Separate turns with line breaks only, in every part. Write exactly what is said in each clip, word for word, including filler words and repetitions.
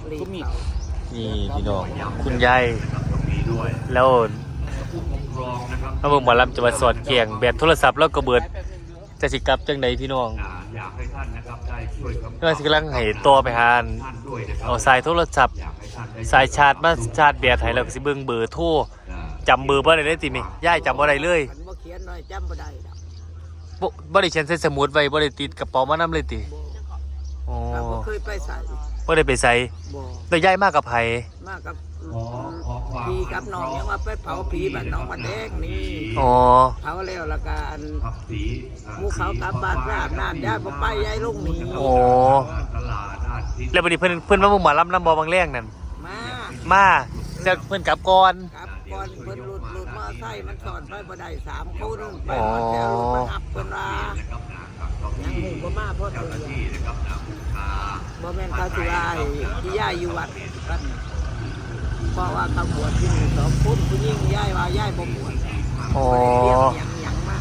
นี่พี่น้องคุณยายแล้วมาเบิ่งหมอลำจะมาสอดเกียงแบตโทรศัพท์แล้วก็เบิดจะสิกลับจังใดพี่น้องก็สิกำลังให้ตัวไปหาเอาสายโทรศัพท์สายชาร์จมาชาร์จแบตให้แล้วก็สิเบิ่งเบอร์โทรจำเบอร์บ่ได้เลยติมิยายจำบ่ได้เลย
บ่เขียนหน่อยจำบ่ได้ดอก
บ่บ่ได้เขียนใส่สมุดไว้บ่ได้ติดกระเป๋ามานำเลยติอ๋อ
บ่เคยไปใส่
บ่ได้ไปใส่
บ่
แต่ยายมากับไผ
มากับพี่กับน้องยังว่าไปเผาผีบ้านน้องมาแดงนี่
อ๋อ
เผาแล้วละกันหมู่เขากลับบ้านราบน้ำยายบ่ไปยายลงนี่
อ๋อแล้วบัดนี้เพิ่นเพิ่นมาเบิ่งหมอลำนำบ่บางแรงนั่น
มา
มาจะเพิ่นกลับก่อน
กลับก่อนเพิ่นหลุดหลุดมอไซค์มันสอนไปบ่ได้สามคนไปหมดแล้วรถมาอับเพิ่นว่ายังหมู่บ่มาเพราะตัวบ่แม่นเขาสิว่าที่ยายอยู่วัดกันเพราะว่าเขาบวชที่นี่สองคนผู้หญิงยายว่ายายบ่บวช
อ๋อ
ยังยังมา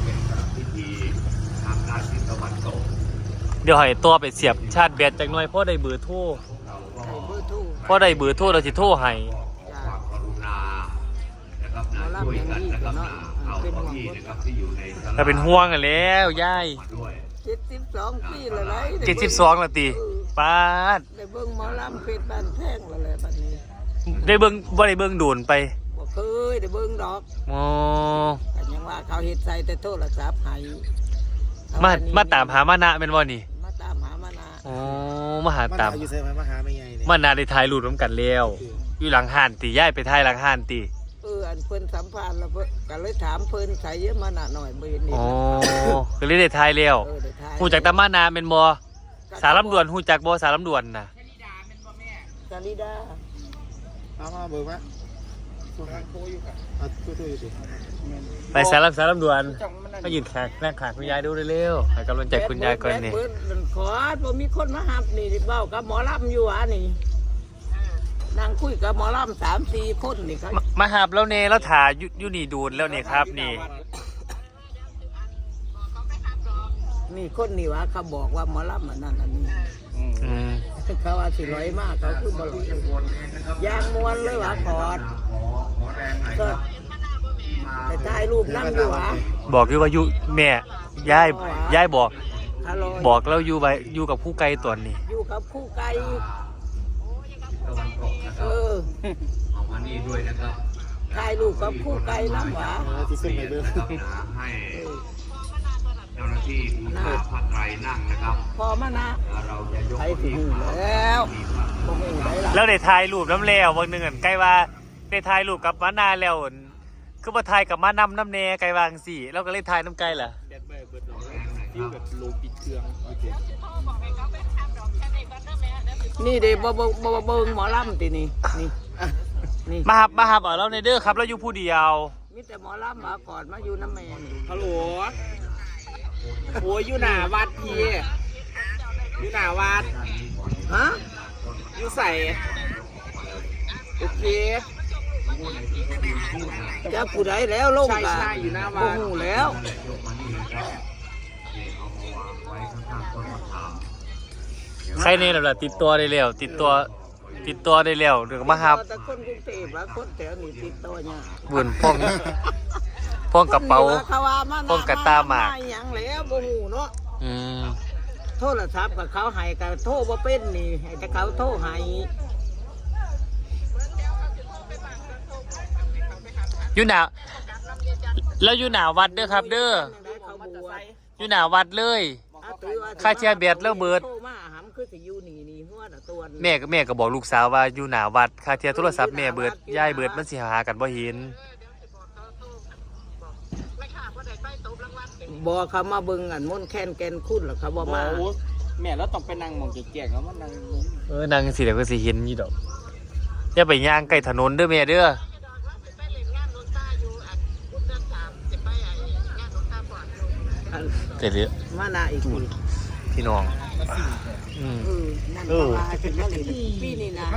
เดี๋ยวให้ตัวไปเสียบชาร์จแบตจักหน่อยพอได้เบอร์โทรพอได้เบอร์โทรเราสิโทรให้ถ้าเป็นห่วงกันแล้วยาย
เจ็ดสิบสองปีแล้วไร
เจ็ดสิบสองแล้วตีป้าด
ได้เบิ่งหมอลำเพชรบ้านแท่งแล้วแหละบัดนี้
ได้เบิ่งบ่ได้เบิ่งโดนไป
บ่เคยได้เบิ่งดอก
อ๋อ
แต่ยังว่าเขาเฮ็ดใส่แต่โทรศัพท์ให้
มามาตามหามานะแม่นบ่นี่
มาตามหามานะ
อ๋อมาหาตาม
อยู่ไสมาหาแม่ใหญ่นี่
มานาได้ถ่ายรูปนำกันแล้วอยู่หลังห้านติยายไปถ่ายหลังห้านติ
เอออันเพิ่นสัมภาษณ์แล้วเพิ่นก็เลยถามเพิ่นใส่เยอะมานะหน่อยบ่เห็นนี่
อ๋อก็เลยได้ถ่ายแล้วฮู้จักตามานาแม่นบ่สารลำดวนฮู้จักบ่สารลำดวนน่ะ
จาริดา
เอามาเบอร์มา
ไปสารลำสารลำดวนมายืนแขกนั่งขางคุณยายดูเร็วๆให้กำลังใจคุณยายก่อนนี่
ขอบ่มีคนมาหับนี่เว้ากับหมอลำอยู่อ่ะนี่นั่งคุยกับหมอลำ สามสี่ คนนี่ครับ
มาหับแล้วเน่แล้วถ่ายอยู่นี่ดูนแล้วนี่ครับนี่
นี่คนนี่ว่าเขาบอกว่าหมอลำอันนั้นอันนี้เขาว่าสิร้อยมากเขาคือบ่ร้อยยางมวนเลยว่าขอดก็ไปถ่ายรูปนั่งอยู่วะ
บอกอยู่ว่าอยู่แม่ยายยายบอกบอกแล้วอยู่ไว้อยู่กับผู้ไกลตัวนี้
อยู่กับผู้ไกลเออเอามานี่ด้วยนะครับถ่ายรูปกับผู้ไกลน้ำหวา
ที่สุดในเรื่อง
ให้เจ้าหน้าที่ผู้ช่วยพักไตรนั่งนะครับ
พอมานะ
เราจะยก
ไปถึงแล้ว
แล้วได้ถ่ายรูปน้ำแล้วบางหนึ่งใกล้ว่าได้ถ่ายรูปกับมานาแล้วคือมาถ่ายกับมานำน้ำเนไกลวางสี่แล้วก็เล่นถ่ายน้ำไกลเหรอ
ฟิวแบบโลปิดเครื่อง
นี่เดี๋ยวบ่บ่บ่เบิ่งหมอลำตีนี่นี่
นี่มาหับมาหับเอาแล้วในเด้อครับแล้วอยู่ผู้เดียว
มีแต่หมอลำมาก่อนมาอยู่น้ำแมน
ฮัลโหลโอ้ยอยู่หน้าวัดพี่อยู่หน้าวัด
ฮะ
อยู่ใส่โอเค
จะผู้ใดแล้วลงกันโอ้โหแล้ว
ใครเนี่ยล่ะติดตัวได้แล้วติดตัวติดตัวได้แล้วเดี๋ยวมาหับ
แต่คนกรุงเทพว่าคนแถวนี้ติดตัวเนี่ย
บุญพ่องพ่องกระเป๋าพ่องกระตาหมาก
อย่างแล้วโอ้โหเนาะ
อืม
โทรศัพท์กับเขาให้กับโทรว่าเป็นนี่ให้แต่เขาโทรให้
อยู่หนาแล้วอยู่หนาวัดเด้อครับเด้ออยู่หนาวัดเลยค่าเชียร์เบียดแล้วเบิดแม่ก็แม่ก็บอกลูกสาวว่าอยู่หนาวัดค่าเชียร์โทรศัพท์แม่เบิดย่ายเบิดมันสิหากันบ่เห็น
บอกเขามาเบิ่งอันม่นแค้นแกนคุ้นหรอเขาบอกมา
แม่แล้วต้องไปนั่งมองแก่ๆแล้วมันนั่ง
เออนั่งสิเดี๋ยวก็สิเห็นอยู่ดอกอย่าไปย่างใกล้ถนนเด้อแม่เด้อเจ๋อ
มานาอีก
พี่น้องอืมเออ
ปีนี่นะ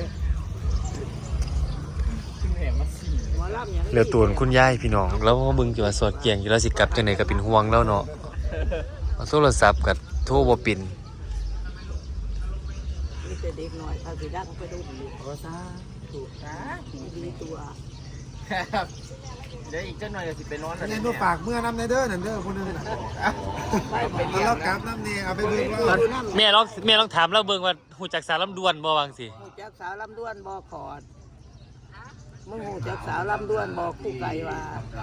เหลือตัวคุณยายพี่น้องแล้วมึงจะมาสอดเกียงอยู่แล้วสิกลับจังไหนก็เป็นห่วงแล้วเนาะโทรศัพท์กับโทรบ่ปิ่น
แต่เด็กหน่อยถ้าสิดังไปดูดี
โอ้ซาถูกนะ
ดีตัว
ครับเดี๋ยวอีกเจ้าหน่อยจะสิไปนอน
เล่นตัวฝากเมื่อน้ำในเด้อนั่นเด้อคนนึงน่ะ
ไปไป
เอา
เรีย
แล้
ก
วกลับน้ำเนี่ยเอาไปเบิ่งว่า
แม่ลองแม่ลองถามเราเบิ่งว่าหูจักสารลำดวนบ่วางสิ
หูจักสาวลำด้วนบ่ขอดมึงหูจักสาวลำด้วนบ่คู่ไก่ว่า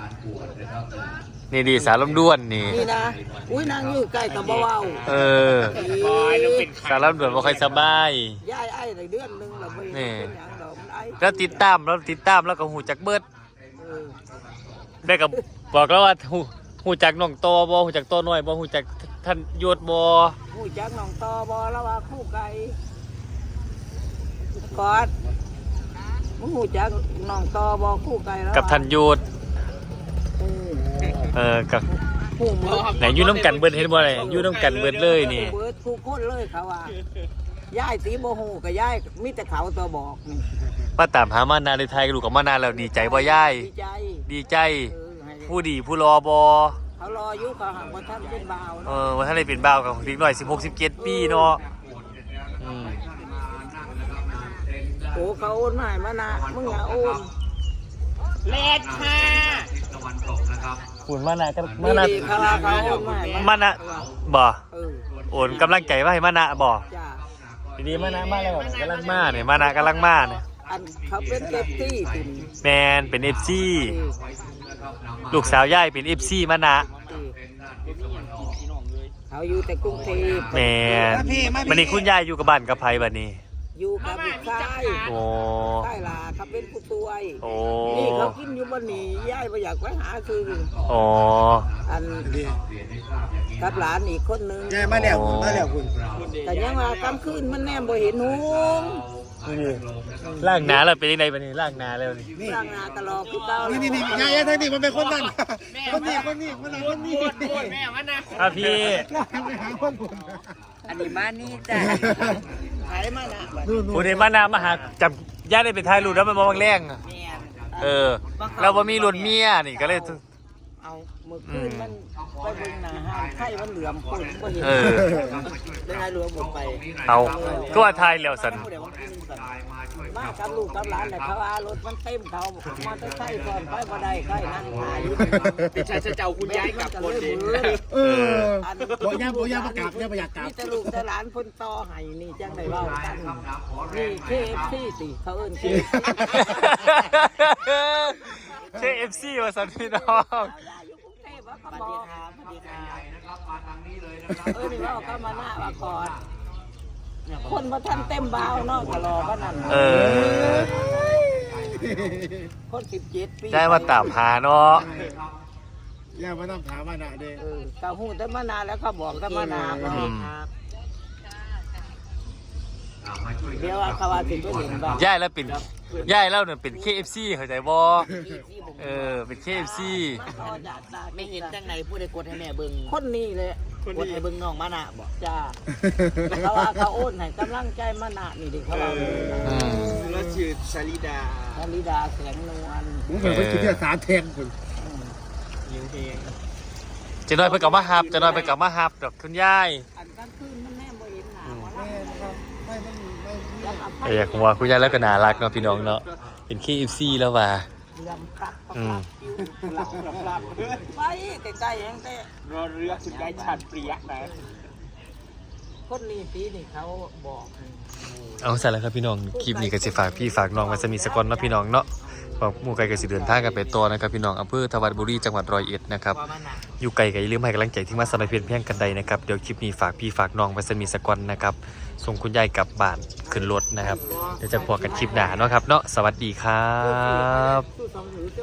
นี่ดีสารลำดวนนี่
นี่นะอุ้ยนางอยู่ใกล้กับบ่เว้า
เออสารลำดวนบ่ค่อยสบาย
ย้ายไอ้ได้เดือนนึงแล้วบ่เป็นหยังดอกมันไอ้
แล้วติดตามแล้วติดตามแล้วก็หูจักเบิด
เออ
แม่ก็บอกแล้วว่าหูหูจักน้องโตบ่หูจักโตน้อยบ่หูจักท่านโยศบ่
หูจักน้องตอบ่แล้วว่าคู่ไก่กอดมึงหูจักน้องตอบ่คู่ไก่แล้ว
กับท่านโยศ
อืม
เออกับ
คู่มือ
ไหนอยู่น้ำกันเบิดเห็นบ่เลยอยู่น้ำกันเบิดเลยนี่
เบิดคู่คนเลยเขาว่าย้ายสีบ่ฮู้ก็ย้ายมีแต่เขาตัวบอกนี่
มาตามหามานาในไทยลูกกับมานานแล้วดีใจบ่ย่าย
ดีใจ
ดีใจ
เออให้
ผู้ดีผู้รอบ่
เขารออยู่เขาหักบ่ทันเป็นบ่าว
เอ
เนาะ
อว่าท่านได้เป็นบ่าวกับเด็กน้อยสิบหก สิบเจ็ดปีเนาะอืม
โอ้เขาโอนมาให้มานะมึงอย่าโอน
เลดค่ะ
คุณมานาก็มา
นี่
นา
ดีเขาว่าเขาโอนมาให้
มานะบ่
เออ
โอนกำลังใจมาให้มานะบ่
จ้า
ดีๆมานะมาแล้วกำลังมาเนี่ยมานะกำลังมาเนี่ย
อันเขาเป็นเก็บที่ติ่น
แมนเป็น เอฟ ซี ลูกสาวย่ายเป็น เอฟ ซี มานะ
เขาอยู่แต่กรุงเทพ
แมนวันนี้คุณยายอยู่กับบ้านกับไผบัดนี้
อยู่กับลูกชาย
โอ้
ใช่ล่ะเขาเป็นผู้ช่วย
โอ้
นี่เขากินอยู่บนนี้ยายบ่อยากไปหาคือ
โอ้
อันกับหลานอีกคนนึง
แกมาแล้วคุณมาแล้วคุณ
แต่ยังว่ากลางคืนมันแนมบ่เห็นหง
นี่ล่างหนาแล้วเป็นยังไงบัดนี้ล่างหนาแล้วนี่
ร่างหนาตลอดคือเก่า
นี่นี่นี่ยายทางนี้มันเป็นคนนั้นคนนี้คนนี้คนนั้นคนนี้
แม่มันนะ
อ่ะพี่
ไปหาคนคุณ
อันนี้บ้านนี้จ้ะขายมานะบัด
นู่นนู่
ผู้
น
ใดมานามาหาจับย่าได้ไปถ่ายรูปแล้วมันมองแรงอะ
แม่น
เออเราบ่มีรถเมียนี่ก็เลย
เอาเมื่อคืนมันไปเบิ่งหน้าห้างไข่มันเหลื่อมคนบ่เห็น
เออ
ได้ให้รวมหมดไป
เอาก็ว่าถ่ายแล้วสัน
ผู้ใดว่ากินกันมากับลูกกับหลานเลยเขาว่ารถมันเต็มเขามาจะใส่ก่อนไปบ่ได้ใกล้นั่งหาอยู่
เป็นชายเจ้าคุณยายกับคนเอง
เออบอกยาบอกยาประกาศยาประหยัดกลับ
มีแต่ลูกแต่หลานคนต่อให้นี่จังได้เว้ากันนี่ เค เอฟ ซี สิเขาเอิ้น เค เอฟ ซี
เค เอฟ ซี ว่าสันพี่น้อง
อยู่กรุงเทพว่าเขาบอกสวัสดีค่ะเออนี่ว่าเขามาหน้าว่าก่อนคนมาทันเต็มบาวเนาะก็รอบ้านนั้น
เออ
คนสิบเจ็ดปี
ได้มาตามหาเนาะ
ยามานั่งถามมาหนาเด้
เออเขาหูแต่มานานแล้วเขาบอกแต่มานานว่าครับเดี๋ยวเขาว่าถึงก็เห็นบ้าง
ย่ายแล้วเป็นย่ายแล้วเนี่ยเป็น เค เอฟ ซี เข้าใจบ่เออเป็น เค เอฟ ซี
ไม่เห็นจังไหนพูดให้กดให้แม่เบิ่ง
คนนี้เลย
กดให้เบิ่งน้องมานะบอก
จ้าเขาว่าเขาโอนให้กำลังใจมานะนี่ดิเขาว่า
อืม
แล้วชื่อชลิดา
ธนิดาแสงนวล
ผมเป็นคนที่สารแทงคุณ
ยิงเพลง
เจะน้อยไปกับมาฮับเจะน้อยไปกับมาฮับดอกคุณยาย
อันกลางคืนมันแน่บ่เห็นหนาหมอล
แม่ครับไม่ไม่ไม่
ำยังเอาไป
ไอ้อยากว่าคุณยายแล้วก็น่ารักเนาะพี่น้องเนาะเป็น เค เอฟ ซี แล้วว่ะ
เรื่องปรับปรับ
อืม
ปรับปรับปรับไปใกล้ๆยังแต่
รอเรือสุดยายฉัดเปรียกนะ
คนนี้ปีนี่เขาบอก
เอาใส่แล้วครับพี่น้องคลิปนี้ก็สิฝากพี่ฝากน้องไว้สมีสกอนเนาะพี่น้องเนาะบอกหมู่ไกลก็สิเดินทางกันไปตัวนะครับพี่น้องอำเภอทวัดบุรีจังหวัดร้อยเอ็ดนะครับ
ว่ามานะ
อยู่ไกลก็อย่าลืมให้กำลังใจที่มาสมัยเพียนเพียงกันใดนะครับเดี๋ยวคลิปนี้ฝากพี่ฝากน้องไว้สมีสกอนนะครับส่งคุณยายกลับบ้านขึ้นรถนะครับเดี๋ยวจะพบกันคลิปหน้าเนาะครับเนาะสวัสดีครับ
สู้สองถือ